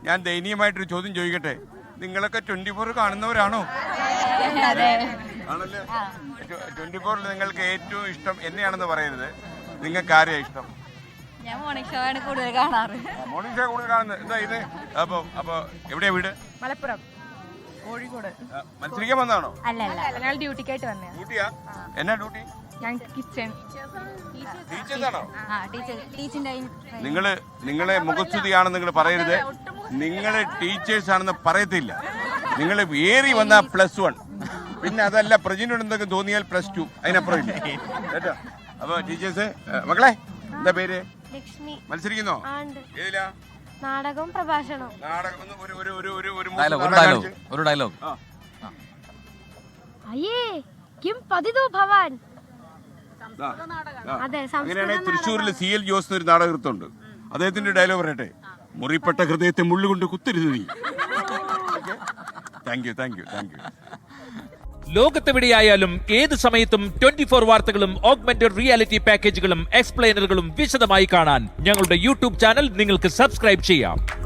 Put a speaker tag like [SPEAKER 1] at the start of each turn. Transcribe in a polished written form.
[SPEAKER 1] ഞാൻ ദയനീയമായിട്ടൊരു ചോദ്യം ചോദിക്കട്ടെ, നിങ്ങളൊക്കെ 24 കാണുന്നവരാണോ? ആണല്ലേ. 24 നിങ്ങൾക്ക് ഏറ്റവും ഇഷ്ടം എന്നെയാണെന്ന് പറയരുത്, നിങ്ങൾക്ക് ആരെയാ ഇഷ്ടം?
[SPEAKER 2] ഞാൻ മോർണിംഗ് ഷോ ആണ് കൂടുതൽ കാണാറ്.
[SPEAKER 1] മോർണിംഗ് ഷോ കൂടുതൽ കാണുന്നത് എന്താ ഇത്? അപ്പൊ എവിടെയാ വീട്?
[SPEAKER 3] മലപ്പുറം, കോഴിക്കോട്.
[SPEAKER 1] മത്സരിക്കാൻ വന്നതാണോ?
[SPEAKER 2] അല്ല
[SPEAKER 3] ഞങ്ങൾ ഡ്യൂട്ടിക്കായിട്ട് വന്നേ.
[SPEAKER 1] ഡ്യൂട്ടിയാ? എന്നാ ഡ്യൂട്ടി?
[SPEAKER 3] ഞങ്ങൾക്ക് കിച്ചൺ.
[SPEAKER 1] ടീച്ചേഴ്സാണോ?
[SPEAKER 2] ടീച്ചിങ്.
[SPEAKER 1] നിങ്ങളെ മുഖസ്തുതിയാണെന്ന് നിങ്ങൾ പറയരുത്. നിങ്ങള് ടീച്ചേഴ്സ് ആണെന്ന് പറയത്തില്ല. നിങ്ങൾ ഏറി വന്ന +1, പിന്നെ അതല്ല പ്രജിനോട് എന്തൊക്കെ തോന്നിയാൽ +2, അതിനപ്പുറം ഇല്ല കേട്ടോ. അപ്പൊ ടീച്ചേഴ്സ്, മക്കളെ എന്താ പേര്?
[SPEAKER 4] ലക്ഷ്മി.
[SPEAKER 1] മത്സരിക്കുന്നോ? ഏതിലാ?
[SPEAKER 4] നാടകവും പ്രഭാഷണവും.
[SPEAKER 1] നാടകം.
[SPEAKER 5] ഒരു ഡയലോഗ്.
[SPEAKER 4] അയ്യേ കിം പതിതോ ഭവാൻ. അതെ,
[SPEAKER 1] അങ്ങനെയാണെങ്കിൽ തൃശ്ശൂരിൽ CL ജോസ് ഒരു നാടകൃത്തുണ്ട്, അദ്ദേഹത്തിന്റെ ഡയലോഗ് പറയട്ടെ. മുറിപ്പെട്ട ഹൃദയത്തെ മുള്ളുകൊണ്ട് കുത്തരുത് നീ. Thank you.
[SPEAKER 6] ലോകത്തെവിടെയായാലും ഏത് സമയത്തും 24 വാർത്തകളും ഓഗ്മെന്റഡ് റിയാലിറ്റി പാക്കേജുകളും എക്സ്പ്ലെയിനറുകളും വിശദമായി കാണാൻ ഞങ്ങളുടെ യൂട്യൂബ് ചാനൽ നിങ്ങൾക്ക് സബ്സ്ക്രൈബ് ചെയ്യാം.